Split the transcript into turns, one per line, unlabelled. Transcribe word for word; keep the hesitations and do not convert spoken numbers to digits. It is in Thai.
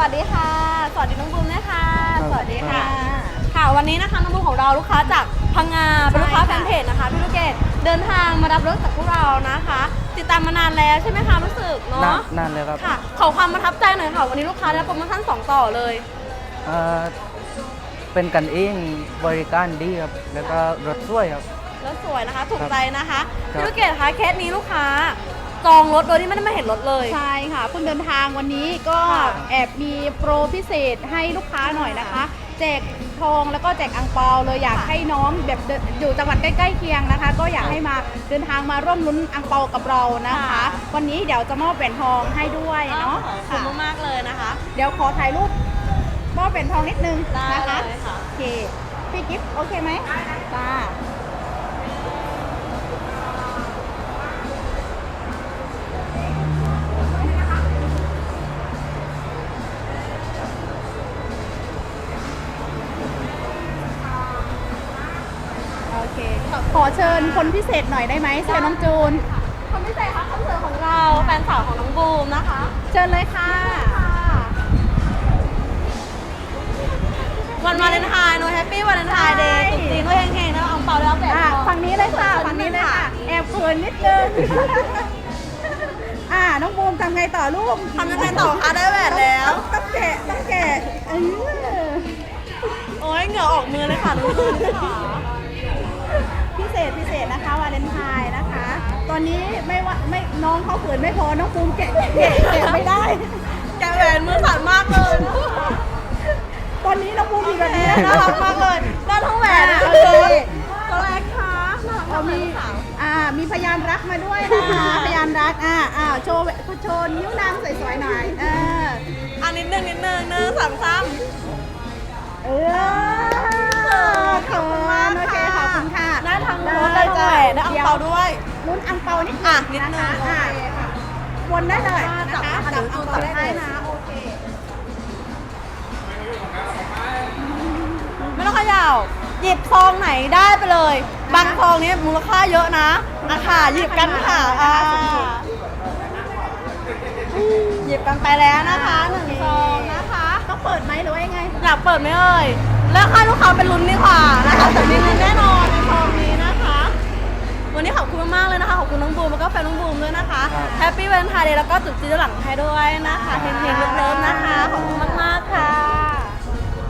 สดีค่ะสวัสดีน้องบูมนะคะสวัสดีค่ะ
ครับ
ค่ะวันนี้นะคะน้องบูมของเราลูกค้าจากพังงาเป็นลูกค้าแฟนเพจนะคะพี่ลูกเกดเดินทางมารับรถจากพวกเรานะคะ ติดตามมานานแล้วใช่ไหมคะรู้สึกเนาะ
นานเลยครับ
ค่ะขอความประทับใจหน่อยค่ะวันนี้ลูกค้าได้โปรโมชั่นสองต่อเลย
เอ่อเป็นกันเองบริการดีครับ แล้วก็รถสวยครับ
รถสวยนะคะถูกใจนะคะ
ครับ
พี่ลูกเกดคะเคสนี้ลูกค้าจองรถโดยที่ไม่ได้มาเห็นรถเลย
ใช่ค่ะเพิ่งเดินทางวันนี้ก็
ค่ะ
แอบมีโปรพิเศษให้ลูกค้าหน่อยนะคะ แจกทองแล้วก็แจกอังเปาเลยอยากให้น้องแบบเดินอยู่จังหวัดใกล้ๆเคียงนะคะ ก็อยากให้มาเดินทางมาร่วมลุ้นอังเปากับเรานะคะ
ค่ะ
วันนี้เดี๋ยวจะมอบแหวนทองให้ด้วยเนาะ
ขอบคุ
ค่ะ
ณมากๆเลยนะคะ
เดี๋ยวขอถ่ายรูปมอบแหวนทองนิดนึง
ได้
นะคะ
เลยค่ะ
โอเคพี่กิฟต์โอเคไหมจ้า โอเค ขอเชิญคนพิเศษหน่อยได้ไหมเชิญน้องจูน
คนพิเศษคะคอนเสิร์ตของเราแฟนสาวของน้องบูมนะคะ
เชิญเลยค่ะ
วันวาเลนไทน์โนแฮปปี้วาเลนไทน์เดย์
ใช่
ตุ๊กตีก็เฮงๆนะเอาเปาแล้วแบบ
อ่ะฝั่งนี้เลยค่ะ ฝั่งนี้เลยค่ะ แอบเขินนิดนึง อ่า น้องบูมทำไงต่อลูก
ทำยังไงต่อคะได้แหวนแล้ว
ต้องแกะต้องแกะเออ
โอ้ยเหงื่อออกมือเลยค่ะน้องบูมค่ะ
พิเศษพิเศษนะคะวาเลนไทน์นะคะ ตอนนี้ไม่ว่าไม่น้องเขาเขินไม่พอ น้องบูมแกะแกะแกะไม่ได้
แกะแหวนมือสั่นมากเลยนะคะ
ตอนนี้น้องบูมมีแบบนี้
น่ารักมากเลยได้ทั้งแหวน
อ่ะ
โอ
โอ
เค
เค
ตัวแรกค่ะน่ารัก
เรา
มากเล
มี
ยค่ะ
อ่า มีพยานรักมาด้วยนะคะ พยานรัก อ่าอ่าโชว์โชว์นิ้วนางสวยๆหน่อย เออ
อันนิดนึงนิดนึงหนึ่งสามสาม
เออขอบคุณมากโอเคขอบคุณค่ะ
ได้ทั้งรถได้ทั้งแหวนได้อังเปาด้วย
ลุ้นอังเปานิด
อ่ะนิดนึง
นะคะ
โอเค
อ่ะวนได้เลย
จับ
นะคะ
ค่ะ
จับ
เดี๋ยวจู
อัง
น
เปา
จับ
ได้
ให้
เลย
นะ
นะโอเค
ไม่ต้องเขย่าหยิบซองไหนได้ไปเลย บางซองนี้มูลค่าเยอะนะอ่ะค่ะหยิบกันค่ะอ่าหยิบกันไปแล้วนะคะหนึ่งซองนะคะ
ต้องเปิดไหมหรือว่ายังไง
อยากเปิดไหมเอ่ยแล้วให้ลูกค้าเป็นลุ้นดีกว่านะคะแต่มีลุ้นแน่นอนในซองนี้นะคะ วันนี้ขอบคุณมากๆเลยนะคะขอบคุณน้องบูมแล้วก็แฟนน้องบูมด้วยนะคะ
ครับ
แฮปปี้วันไทน์เดย์แล้วก็จุดจีนหลังให้ด้วยนะคะเฮงๆเลิฟๆนะคะขอบคุณมากๆค่ะ